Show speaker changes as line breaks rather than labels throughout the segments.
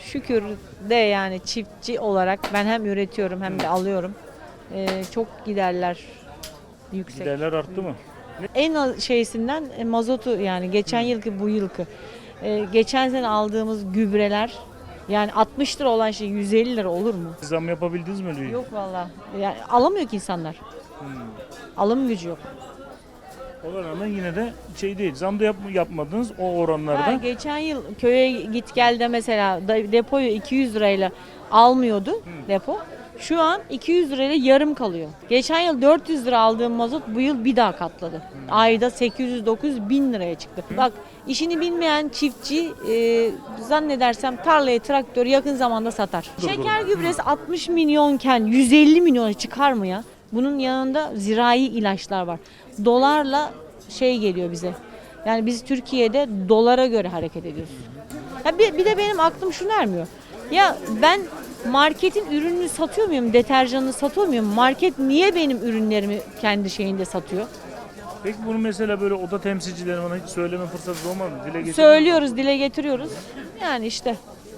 şükür de yani çiftçi olarak ben hem üretiyorum hem de alıyorum. Çok giderler yüksek.
Giderler arttı mı?
En şeysinden mazotu yani geçen yılki bu yılki. Geçen sene aldığımız gübreler yani 60 lira olan şey 150 lira olur mu?
Zam yapabildiniz mi öyle?
Yok valla. Yani alamıyor ki insanlar. Alım gücü yok.
Ona rağmen yine de şey değil. Zam da yapmadınız o oranlarda.
Geçen yıl köye git gel de mesela depoyu 200 lirayla almıyordu depo. Şu an 200 lirayla yarım kalıyor. Geçen yıl 400 lira aldığım mazot bu yıl bir daha katladı. Ayda 800-900 bin liraya çıktı. Bak işini bilmeyen çiftçi zannedersem tarlayı traktörü yakın zamanda satar. Şeker gübresi 60 milyonken 150 milyona çıkar mı ya? Bunun yanında zirai ilaçlar var. Dolarla şey geliyor bize. Yani biz Türkiye'de dolara göre hareket ediyoruz. Ya bir de benim aklım şunu ermiyor. Ya ben marketin ürününü satıyor muyum? Deterjanını satıyor muyum? Market niye benim ürünlerimi kendi şeyinde satıyor?
Peki bunu mesela böyle oda temsilcilerine bana hiç söyleme fırsatı olmadı mı? Dile getirdin mi?
Söylüyoruz, dile getiriyoruz. Yani işte.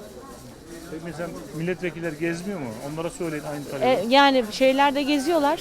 Peki mesela milletvekiller gezmiyor mu? Onlara söyleyin aynı talebi.
Yani şeylerde geziyorlar.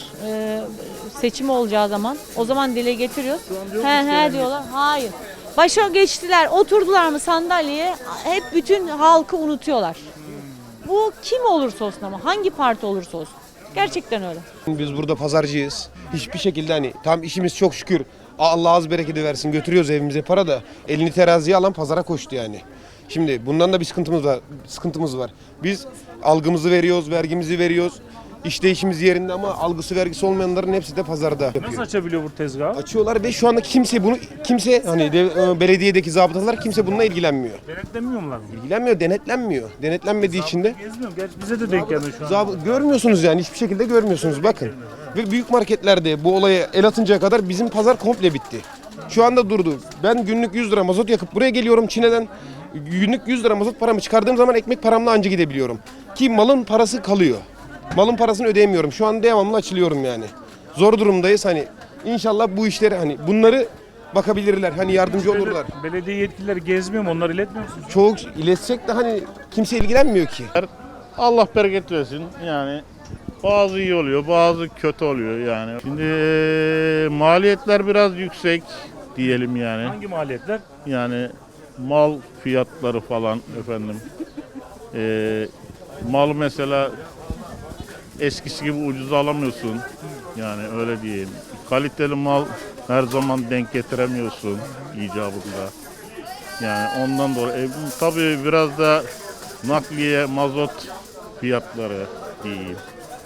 Seçim olacağı zaman. O zaman dile getiriyoruz.
Şu an diyor
He
musun
he
yani?
diyorlar. Hayır. Başa geçtiler, oturdular mı sandalyeye? Hep bütün halkı unutuyorlar. Bu kim olursa olsun ama hangi parti olursa olsun. Gerçekten öyle.
Biz burada pazarcıyız. Hiçbir şekilde hani tam işimiz çok şükür. Allah az bereketi versin götürüyoruz evimize para da elini teraziye alan pazara koştu yani. Şimdi bundan da bir sıkıntımız var. Biz algımızı veriyoruz, vergimizi veriyoruz. İşleyişimiz yerinde ama algısı vergisi olmayanların hepsi de pazarda.
Nasıl açabiliyor bu tezgahı?
Açıyorlar ve şu anda kimse hani belediyedeki zabıtalar kimse bununla ilgilenmiyor.
Denetlenmiyorlar mı?
İlgilenmiyor, denetlenmiyor. Denetlenmediği için de
Gezmiyorum. Gerçi bize de denk geldi şu an.
görmüyorsunuz yani hiçbir şekilde görmüyorsunuz bakın. Ve büyük marketlerde bu olaya el atıncaya kadar bizim pazar komple bitti. Şu anda durdu. Ben günlük 100 lira mazot yakıp buraya geliyorum Çin'den. Günlük 100 lira mazot paramı çıkardığım zaman ekmek paramla anca gidebiliyorum. Ki malın parası kalıyor. Malın parasını ödeyemiyorum. Şu an devamlı açılıyorum yani. Zor durumdayız hani. İnşallah bu işleri hani bunları bakabilirler. Hani yardımcı olurlar.
Belediye yetkilileri gezmiyor mu? Onları iletmiyor musunuz?
Çoğu iletsek de hani kimse ilgilenmiyor ki.
Allah bereket versin yani bazı iyi oluyor bazı kötü oluyor yani. Şimdi maliyetler biraz yüksek diyelim yani.
Hangi maliyetler?
Yani mal fiyatları falan efendim. Mal mesela eskisi gibi ucuz alamıyorsun yani öyle diyeyim. Kaliteli mal her zaman denk getiremiyorsun icabında. Yani ondan dolayı tabii biraz da nakliye, mazot fiyatları diyeyim.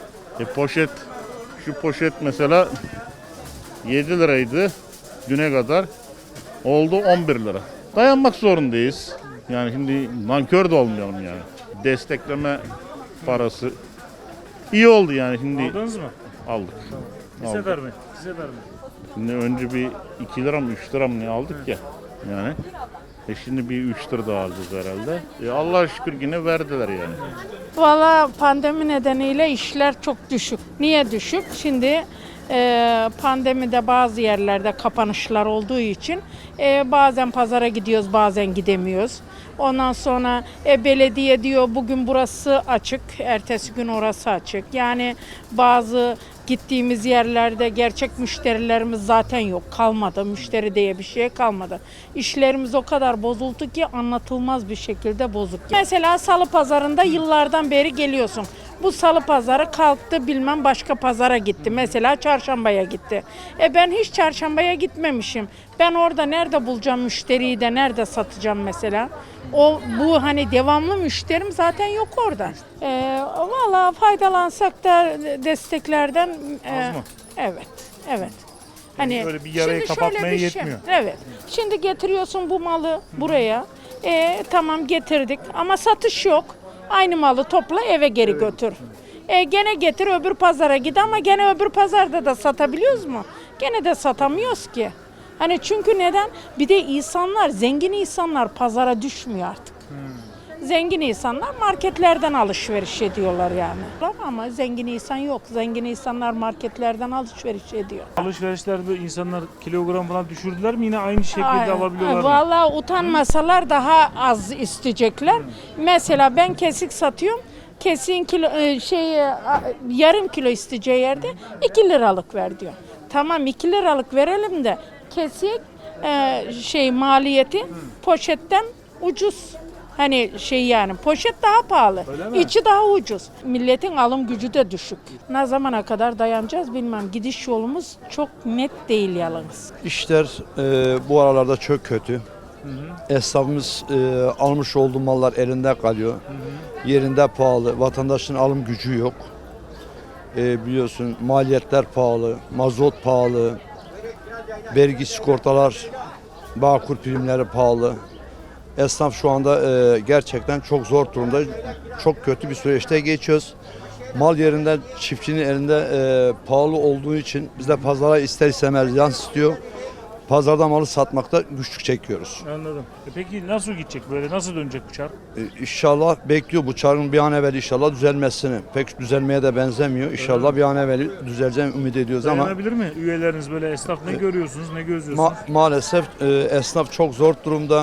Şu poşet mesela 7 liraydı düne kadar. Oldu 11 lira. Dayanmak zorundayız. Yani şimdi nankör de olmayalım yani. Destekleme parası iyi oldu yani şimdi.
Aldınız mı?
Aldık.
Bir
Aldık.
sefer mi? Bir sefer mi?
Şimdi önce bir 2 lira mı 3 lira mı ne aldık ya yani. Şimdi bir 3 lira daha alacağız herhalde. Allah'a şükür yine verdiler yani.
Valla pandemi nedeniyle işler çok düşük. Niye düşük? Şimdi pandemide bazı yerlerde kapanışlar olduğu için bazen pazara gidiyoruz bazen gidemiyoruz. Ondan sonra belediye diyor bugün burası açık, ertesi gün orası açık. Yani bazı gittiğimiz yerlerde gerçek müşterilerimiz zaten yok, kalmadı. Müşteri diye bir şey kalmadı. İşlerimiz o kadar bozuldu ki anlatılmaz bir şekilde bozuk. Mesela salı pazarında yıllardan beri geliyorsun. Bu salı pazarı kalktı bilmem başka pazara gitti. Mesela çarşambaya gitti. Ben hiç çarşambaya gitmemişim. Ben orada nerede bulacağım müşteriyi de nerede satacağım mesela? Bu hani devamlı müşterim zaten yok orada. Valla faydalansak da desteklerden.
Az mı?
Evet, evet. Hani
böyle bir yarayı
şimdi
kapatmaya
şöyle bir
yetmiyor.
Evet. Şimdi getiriyorsun bu malı buraya. Tamam getirdik ama satış yok. Aynı malı topla eve geri götür. Gene getir öbür pazara git ama gene öbür pazarda da satabiliyoruz mu? Gene de satamıyoruz ki. Hani çünkü neden? Bir de insanlar, zengin insanlar pazara düşmüyor artık. Zengin insanlar marketlerden alışveriş ediyorlar yani. Ama zengin insan yok. Zengin insanlar marketlerden alışveriş ediyor.
Alışverişlerde insanlar kilogram falan düşürdüler mi? Yine aynı şekilde alabiliyorlar mı?
Vallahi utanmasalar daha az isteyecekler. Mesela ben kesik satıyorum. Kesiğin yarım kilo isteyeceği yerde 2 liralık ver diyor. Tamam 2 liralık verelim de kesik maliyeti poşetten ucuz. Hani yani poşet daha pahalı, içi daha ucuz. Milletin alım gücü de düşük. Ne zamana kadar dayanacağız bilmem. Gidiş yolumuz çok net değil yalnız.
İşler bu aralarda çok kötü. Esnafımız almış olduğu mallar elinde kalıyor. Yerinde pahalı. Vatandaşın alım gücü yok. Biliyorsun maliyetler pahalı, mazot pahalı, vergi sigortalar, Bağkur primleri pahalı. Esnaf şu anda gerçekten çok zor durumda. Çok kötü bir süreçte geçiyoruz. Mal yerinde çiftçinin elinde pahalı olduğu için biz de pazara ister istemez yansıtıyor. Pazarda malı satmakta güçlük çekiyoruz.
Anladım. Peki nasıl gidecek böyle? Nasıl dönecek bu çark?
İnşallah bekliyor bu çarkın bir an evvel inşallah düzelmesini. Pek düzelmeye de benzemiyor. İnşallah bir an evvel düzeleceğini ümit ediyoruz ama
Dayanabilir mi? Üyeleriniz böyle esnaf ne görüyorsunuz, ne gözlüyorsunuz?
maalesef esnaf çok zor durumda.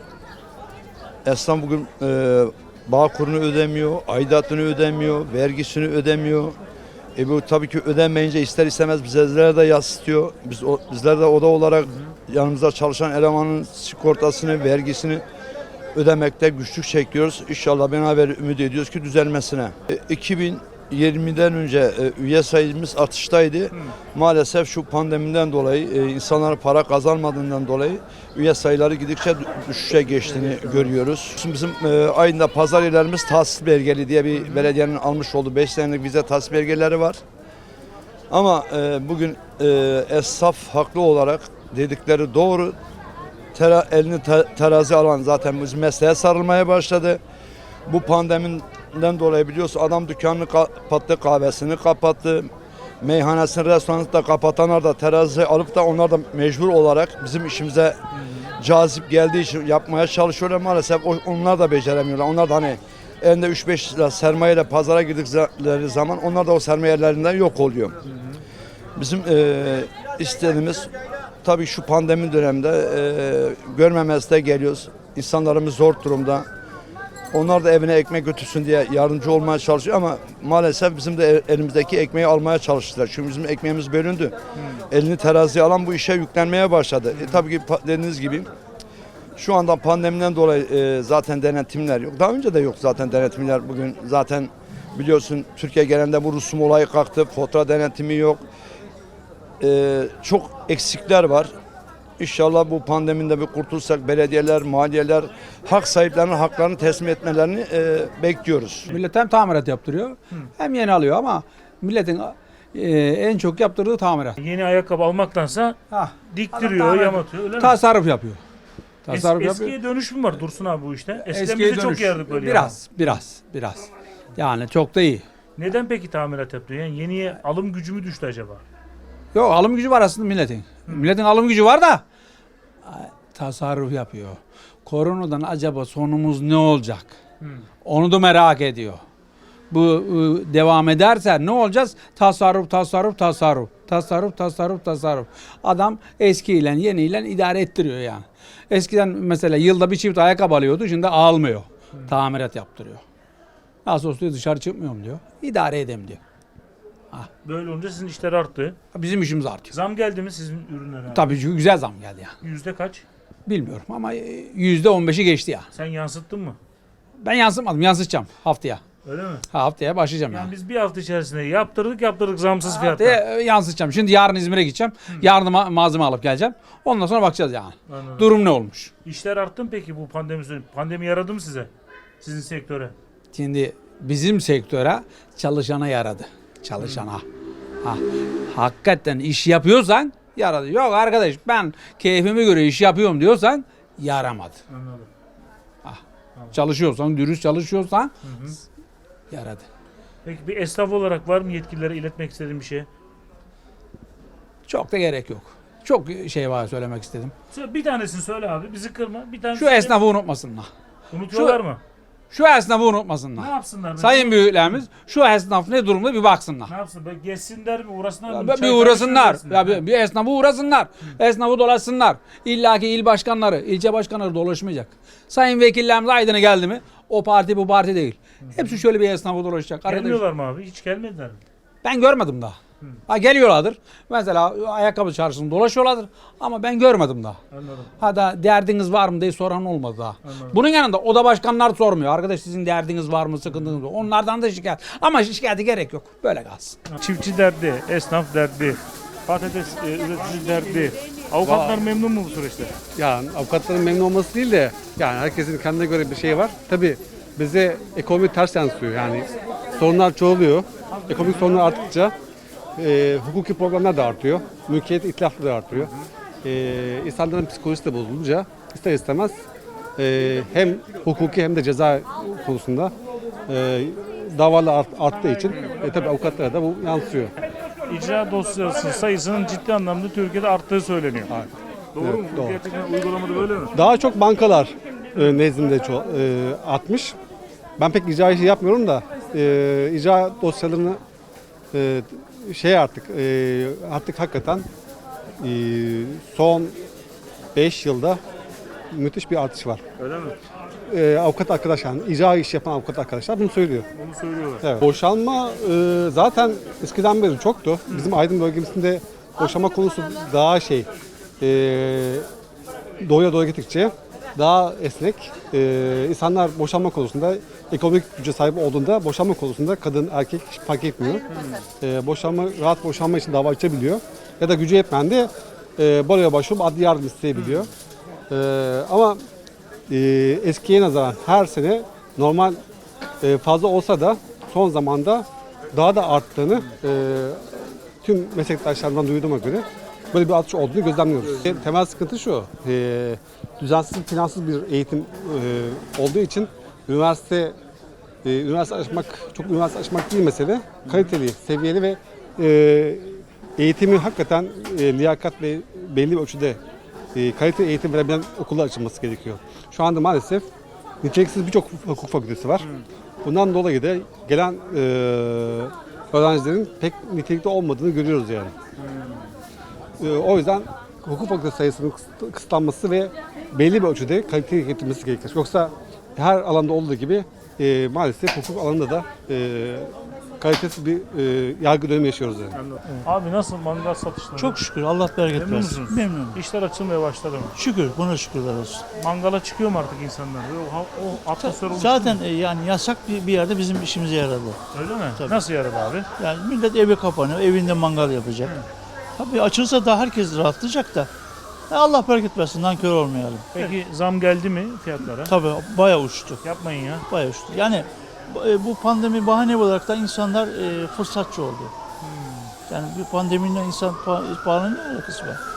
Esnaf bugün Bağkur'unu ödemiyor, aidatını ödemiyor, vergisini ödemiyor. Bu tabii ki ödenmeyince ister istemez bizlere de yansıtıyor. Bizler de oda olarak yanımızda çalışan elemanın sigortasını, vergisini ödemekte güçlük çekiyoruz. İnşallah beraber ümit ediyoruz ki düzelmesine. 2020'den önce üye sayımız artıştaydı. Maalesef şu pandemiden dolayı insanlar para kazanmadığından dolayı üye sayıları gidikçe düşüşe geçtiğini görüyoruz. Şimdi bizim ayında pazar yerlerimiz tahsis belgeli diye bir belediyenin almış olduğu 5 senelik vize tahsis belgeleri var. Ama bugün esnaf haklı olarak dedikleri doğru. Elini terazi alan zaten bizim mesleğe sarılmaya başladı. Bu pandemiden dolayı biliyorsun adam dükkanını kapattı, kahvesini kapattı, meyhanesini, restoranını da kapatanlar da terazi alıp da onlar da mecbur olarak bizim işimize cazip geldiği için yapmaya çalışıyorlar. Maalesef onlar da beceremiyorlar. Onlar da hani elinde 3-5 lira sermayeyle pazara girdikleri zaman onlar da o sermayelerinden yok oluyor. Bizim istediğimiz tabii şu pandemi döneminde görmemezde geliyoruz. İnsanlarımız zor durumda. Onlar da evine ekmek götürsün diye yardımcı olmaya çalışıyor ama maalesef bizim de elimizdeki ekmeği almaya çalıştılar. Çünkü bizim ekmeğimiz bölündü. Elini teraziye alan bu işe yüklenmeye başladı. Tabii ki dediğiniz gibi şu anda pandemiden dolayı zaten denetimler yok. Daha önce de yok zaten denetimler. Bugün zaten biliyorsun Türkiye genelinde bu rusum olayı kalktı. Fatura denetimi yok. Çok eksikler var. İnşallah bu pandemide bir kurtulsak belediyeler, maliyeler hak sahiplerinin haklarını teslim etmelerini bekliyoruz.
Millet hem tamirat yaptırıyor hem yeni alıyor ama milletin en çok yaptırdığı tamirat.
Yeni ayakkabı almaktansa diktiriyor,
Adam
yamatıyor öyle mi?
Tasarruf yapıyor. Tasarruf
Eskiye dönüş mü var Dursun abi bu işte? Eskiden
Eskiye
bize çok
dönüş.
yardık böyle.
Biraz. Yani çok da iyi.
Neden peki tamirat yaptırıyor? Yani yeniye alım gücü mü düştü acaba?
Yok alım gücü var aslında milletin. Milletin alım gücü var da tasarruf yapıyor. Koronadan acaba sonumuz ne olacak? Onu da merak ediyor. Bu devam ederse ne olacağız? Tasarruf. Adam eskiyle yeniyle idare ettiriyor yani. Eskiden mesela yılda bir çift ayakkabı alıyordu, şimdi almıyor. Tamirat yaptırıyor. Nasıl olsa dışarı çıkmıyorum diyor. İdare edeyim diyor.
Böyle olunca sizin işler arttı.
Bizim işimiz artıyor.
Zam geldi mi sizin ürünlere?
Tabii ki güzel zam geldi yani.
Yüzde kaç?
Bilmiyorum ama %15'i geçti ya.
Sen yansıttın mı?
Ben yansıtmadım, yansıtacağım haftaya.
Öyle mi?
Haftaya başlayacağım yani.
Yani biz bir hafta içerisinde yaptırdık zamsız fiyatla.
Haftaya yansıtacağım. Şimdi yarın İzmir'e gideceğim. Yarın malzeme alıp geleceğim. Ondan sonra bakacağız yani.
Anladım.
Durum ne olmuş?
İşler arttı mı peki bu pandemi süreci? Pandemi yaradı mı size? Sizin sektöre?
Şimdi bizim sektöre çalışana yaradı. Çalışana. Hakikaten iş yapıyorsan yaradı. Yok arkadaş ben keyfime göre iş yapıyorum diyorsan yaramadı.
Anladım.
Çalışıyorsan, dürüst çalışıyorsan yaradı.
Peki bir esnaf olarak var mı yetkililere iletmek istediğin bir şey?
Çok da gerek yok. Çok şey var söylemek istedim.
Bir tanesini söyle abi. Bizi kırma. Bir tanesini
Şu esnafı unutmasınlar.
unutuyorlar mı?
Şu esnafı
Ne
unutmasınlar.
yapsınlar? mesela?
Sayın büyüklerimiz şu esnaf ne durumda bir baksınlar.
Ne yapsın? Böyle gezsinler mi? Uğrasınlar mı?
Bir
Çay
uğrasınlar.
kahve içsinler mi?
Bir esnafı uğrasınlar. Esnafı dolaşsınlar. İlla ki il başkanları, ilçe başkanları dolaşmayacak. Sayın vekillerimiz Aydın'a geldi mi? O parti bu parti değil. Hepsi şöyle bir esnafı dolaşacak. Arkadaş,
Gelmiyorlar mı abi? Hiç gelmediler mi?
ben görmedim daha. Ha, geliyorlardır. Mesela ayakkabı çarşısında dolaşıyorlardır. Ama ben görmedim daha.
Anladım.
Ha da derdiniz var mı diye soran olmadı daha. Bunun yanında oda başkanlar sormuyor. Arkadaş sizin derdiniz var mı, sıkıntınız var. Onlardan da şikayet. Ama şikayete gerek yok. Böyle kalsın.
Çiftçi derdi, esnaf derdi, patates üreticisi derdi. Avukatlar memnun mu bu süreçte?
Yani avukatların memnun olması değil de yani herkesin kendine göre bir şey var. Tabii bize ekonomi ters yansıyor. Yani sorunlar çoğalıyor. Ekonomik sorunlar arttıkça hukuki problemler de artıyor. Mülkiyet itlafları da artıyor. İnsanların psikolojisi de bozulunca ister istemez hem hukuki hem de ceza konusunda davalar arttığı için tabii avukatlara da bu yansıyor.
İcra dosyası sayısının ciddi anlamda Türkiye'de arttığı söyleniyor. Doğru
Evet,
mu? Bu
doğru.
gerçekten uygulamada böyle mi?
Daha çok bankalar nezdinde artmış. Ben pek icra işi yapmıyorum da icra dosyalarını artık hakikaten son 5 yılda müthiş bir artış var.
Öyle mi?
Avukat arkadaşlar, yani icra işi yapan avukat arkadaşlar bunu söylüyor.
Bunu söylüyorlar.
Evet. Boşanma zaten eskiden beri çoktu. Bizim Aydın bölgemizde boşanma konusu daha doğuya doğru gittikçe daha esnek. İnsanlar boşanma konusunda ekonomik güce sahip olduğunda boşanma konusunda kadın erkek hiç fark etmiyor. Rahat boşanma için dava açabiliyor. Ya da gücü yetmeyen de baroya başvurup adli yardım isteyebiliyor. Ama eskiye nazaran her sene normal fazla olsa da son zamanda daha da arttığını tüm meslektaşlarımdan duyduğuma göre böyle bir artış olduğunu gözlemliyoruz. Temel sıkıntı şu, düzensiz, plansız bir eğitim olduğu için üniversite açmak değil mesele, kaliteli, seviyeli ve eğitimi hakikaten liyakat ve belli bir ölçüde kaliteli eğitim verebilen okullar açılması gerekiyor. Şu anda maalesef niteliksiz birçok hukuk fakültesi var. Bundan dolayı da gelen öğrencilerin pek nitelikli olmadığını görüyoruz yani. O yüzden hukuk fakültesi sayısının kısıtlanması ve belli bir ölçüde kaliteli getirmesi gerekir. Yoksa her alanda olduğu gibi maalesef hukuk alanında da kalitesiz bir yargı dönemi yaşıyoruz yani.
Abi nasıl mangal satışları?
Çok şükür Allah bereket
Memnun
versin.
musunuz?
Memnunum.
İşler açılmaya başladı mı?
Şükür buna şükürler olsun.
Mangala çıkıyor mu artık insanlar? O atmosfer oluştu
Zaten
mu?
yani yasak bir yerde bizim işimize yaradı.
Öyle mi?
Tabii.
Nasıl yaradı abi?
Yani millet eve kapanıyor, evinde mangal yapacak. Tabii açılsa da herkes rahatlayacak da. Allah bereket versin, nankör olmayalım.
Peki zam geldi mi fiyatlara?
Tabii bayağı uçtu,
Yapmayın ya.
bayağı uçtu. Yani bu pandemi bahane olarak da insanlar fırsatçı oldu. Yani bir pandemiyle insan pahalının ne alakası var?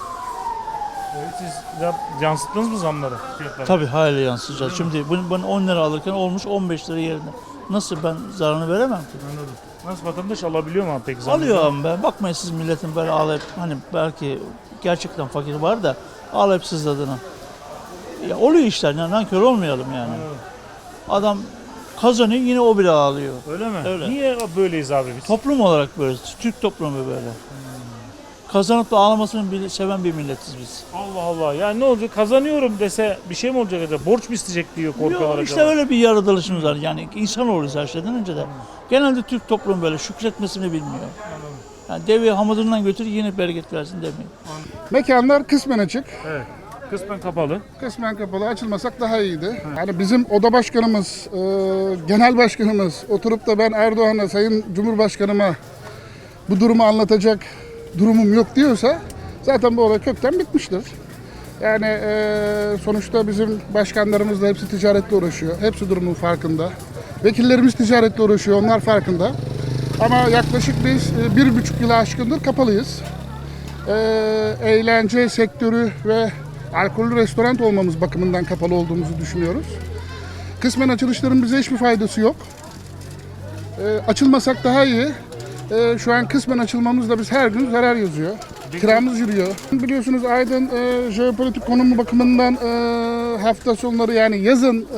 Evet, siz yansıttınız mı zamları fiyatlara?
Tabii hala yansıyacağız. Şimdi ben 10 lira alırken olmuş 15 lira yerine. Nasıl ben zararını veremem ki?
Anladım. Nasıl vatandaş alabiliyor mu abi peki zamları?
Alıyor ama ben. Bakmayın siz milletin böyle ağlayıp hani belki gerçekten fakir var da ağlayıp sızladığına. Ya oluyor işler yani nankör olmayalım yani. Adam kazanıyor yine o bile ağlıyor.
Öyle mi?
Öyle.
Niye böyleyiz abi biz?
Toplum olarak böyle, Türk toplumu böyle. Kazanıp da ağlamasını seven bir milletiz biz.
Allah Allah. Yani ne olacak? Kazanıyorum dese bir şey mi olacak acaba? Borç mu isteyecek diyor korkuyorlar
Yok, işte
acaba?
öyle bir yaratılışımız var. Yani insan oluruz her şeyden önce de. Genelde Türk toplumu böyle şükretmesini bilmiyor. Yani deveyi hamudundan götür yine bereket versin demiyor.
Mekanlar kısmen açık,
Evet. Kısmen kapalı.
kısmen kapalı. Açılmasak daha iyiydi. Yani bizim oda başkanımız, genel başkanımız oturup da ben Erdoğan'a, Sayın Cumhurbaşkanıma bu durumu anlatacak durumum yok diyorsa zaten bu olay kökten bitmiştir. Yani sonuçta bizim başkanlarımız da hepsi ticaretle uğraşıyor. Hepsi durumun farkında. Vekillerimiz ticaretle uğraşıyor, onlar farkında. Ama yaklaşık biz 1,5 yılı aşkındır kapalıyız. Eğlence sektörü ve alkollü restoran olmamız bakımından kapalı olduğumuzu düşünüyoruz. Kısmen açılışların bize hiçbir faydası yok. Açılmasak daha iyi. Şu an kısmen açılmamızda biz her gün zarar yazıyor. Kiramız yürüyor. Biliyorsunuz Aydın jeopolitik konumu bakımından hafta sonları yani yazın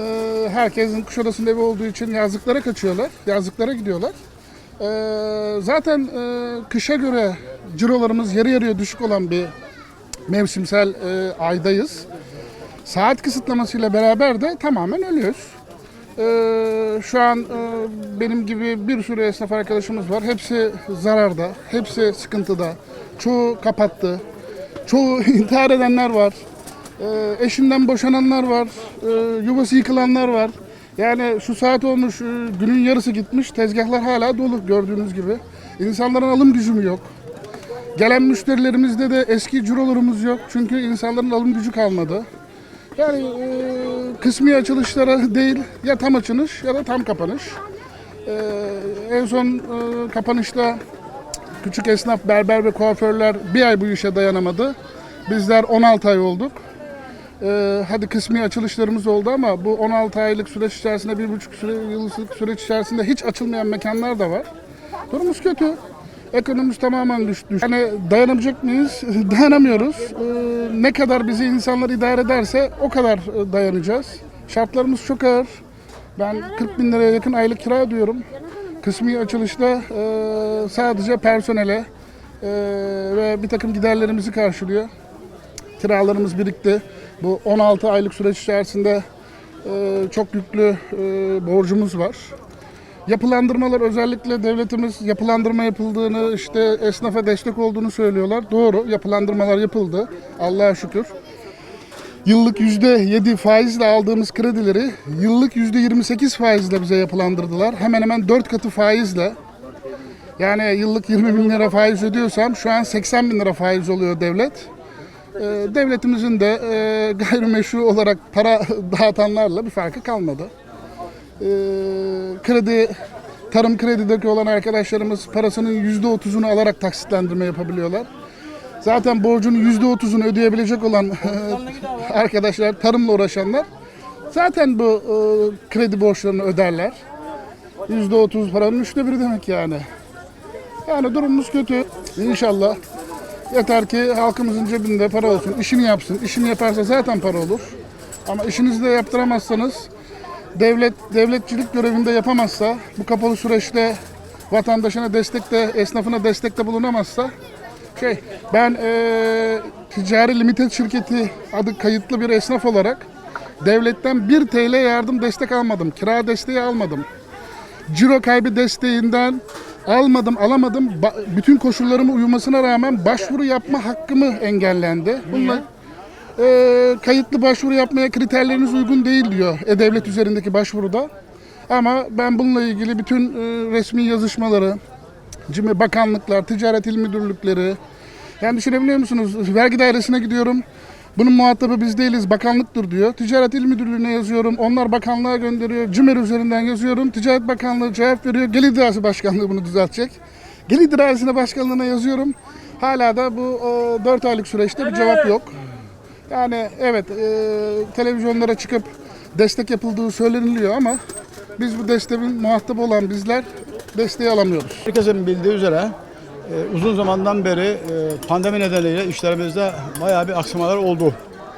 herkesin Kuşadası'nda evi olduğu için yazlıklara kaçıyorlar, yazlıklara gidiyorlar. Zaten kışa göre cirolarımız yarı yarıya düşük olan bir mevsimsel aydayız. Saat kısıtlamasıyla beraber de tamamen ölüyoruz. Şu an benim gibi bir sürü esnaf arkadaşımız var. Hepsi zararda, hepsi sıkıntıda. Çoğu kapattı. Çoğu intihar edenler var. Eşinden boşananlar var. Yuvası yıkılanlar var. Yani şu saat olmuş, günün yarısı gitmiş. Tezgahlar hala dolu gördüğünüz gibi. İnsanların alım gücü yok. Gelen müşterilerimizde de eski cirolarımız yok. Çünkü insanların alım gücü kalmadı. Yani kısmi açılışlara değil, ya tam açılış ya da tam kapanış. En son kapanışta küçük esnaf, berber ve kuaförler bir ay bu işe dayanamadı. Bizler 16 ay olduk. Hadi kısmi açılışlarımız oldu ama bu 16 aylık süreç içerisinde, 1,5 yıllık süreç içerisinde hiç açılmayan mekanlar da var. Durumumuz kötü. Ekonomimiz tamamen düştü. Yani dayanabilecek miyiz? Dayanamıyoruz. Ne kadar bizi insanlar idare ederse o kadar dayanacağız. Şartlarımız çok ağır. Ben 40 bin liraya yakın aylık kira ödüyorum. Kısmi açılışta sadece personele ve bir takım giderlerimizi karşılıyor. Kiralarımız birikti. Bu 16 aylık süreç içerisinde çok yüklü borcumuz var. Yapılandırmalar, özellikle devletimiz yapılandırma yapıldığını, işte esnafa destek olduğunu söylüyorlar. Doğru, yapılandırmalar yapıldı. Allah'a şükür. Yıllık %7 faizle aldığımız kredileri yıllık %28 faizle bize yapılandırdılar. Hemen hemen 4 katı faizle. Yani yıllık 20 bin lira faiz ödüyorsam şu an 80 bin lira faiz oluyor devlet. Devletimizin de gayrimeşru olarak para dağıtanlarla bir farkı kalmadı. Tarım kredideki olan arkadaşlarımız parasının %30'unu alarak taksitlendirme yapabiliyorlar. Zaten borcunun %30'unu ödeyebilecek olan arkadaşlar, tarımla uğraşanlar zaten bu kredi borçlarını öderler. %30 paranın 1/3 demek yani. Yani durumumuz kötü. İnşallah yeter ki halkımızın cebinde para olsun, işini yapsın. İşini yaparsa zaten para olur. Ama işinizi de yaptıramazsanız, devletçilik görevinde yapamazsa, bu kapalı süreçte vatandaşına destekte, esnafına destekte bulunamazsa, ben ticari limited şirketi adı kayıtlı bir esnaf olarak devletten 1 TL yardım destek almadım, kira desteği almadım. Ciro kaybı desteğinden alamadım. Bütün koşullarıma uymasına rağmen başvuru yapma hakkımı engellendi. Bununla kayıtlı başvuru yapmaya kriterleriniz uygun değil diyor E-Devlet üzerindeki başvuruda. Ama ben bununla ilgili bütün resmi yazışmaları, bakanlıklar, ticaret il müdürlükleri, yani düşünebiliyor musunuz? Vergi dairesine gidiyorum. Bunun muhatabı biz değiliz, bakanlıktır diyor. Ticaret il müdürlüğüne yazıyorum. Onlar bakanlığa gönderiyor. CİMER üzerinden yazıyorum. Ticaret Bakanlığı cevap veriyor. Gelir İdaresi Başkanlığı bunu düzeltecek. Gelir İdaresi Başkanlığı'na yazıyorum. Hala da bu 4 aylık süreçte bir cevap yok. Yani evet, televizyonlara çıkıp destek yapıldığı söyleniliyor ama biz bu desteğin muhatabı olan bizler desteği alamıyoruz.
Herkesin bildiği üzere uzun zamandan beri pandemi nedeniyle işlerimizde bayağı bir aksamalar oldu.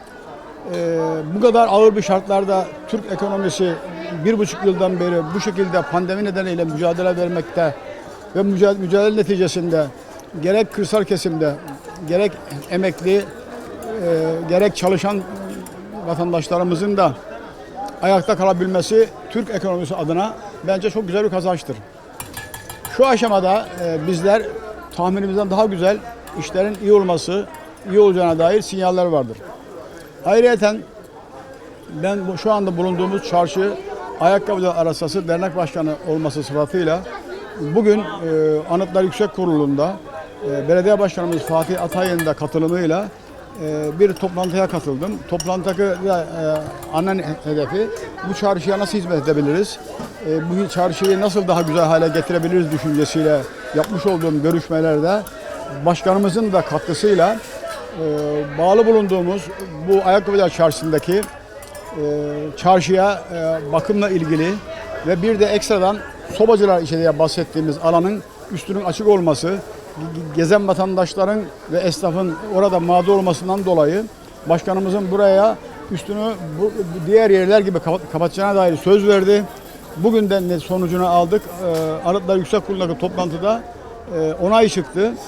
Bu kadar ağır bir şartlarda Türk ekonomisi 1,5 yıldan beri bu şekilde pandemi nedeniyle mücadele vermekte ve mücadele neticesinde gerek kırsal kesimde, gerek emekli, gerek çalışan vatandaşlarımızın da ayakta kalabilmesi Türk ekonomisi adına bence çok güzel bir kazançtır. Şu aşamada bizler tahminimizden daha güzel işlerin iyi olacağına dair sinyaller vardır. Ayrıca ben şu anda bulunduğumuz çarşı Ayakkabıcılar Arasası Dernek Başkanı olması sıfatıyla bugün Anıtlar Yüksek Kurulu'nda Belediye Başkanımız Fatih Atay'ın da katılımıyla bir toplantıya katıldım. Toplantıda ana hedefi bu çarşıya nasıl hizmet edebiliriz? Bu çarşıyı nasıl daha güzel hale getirebiliriz düşüncesiyle yapmış olduğum görüşmelerde başkanımızın da katkısıyla bağlı bulunduğumuz bu Ayakkabıcılar Çarşısı'ndaki çarşıya bakımla ilgili ve bir de ekstradan sobacılar diye bahsettiğimiz alanın üstünün açık olması, gezen vatandaşların ve esnafın orada mağdur olmasından dolayı başkanımızın buraya üstünü bu diğer yerler gibi kapatacağına dair söz verdi. Bugün de sonucunu aldık. Arıtlar Yüksek Kurulu'ndaki toplantıda onay çıktı.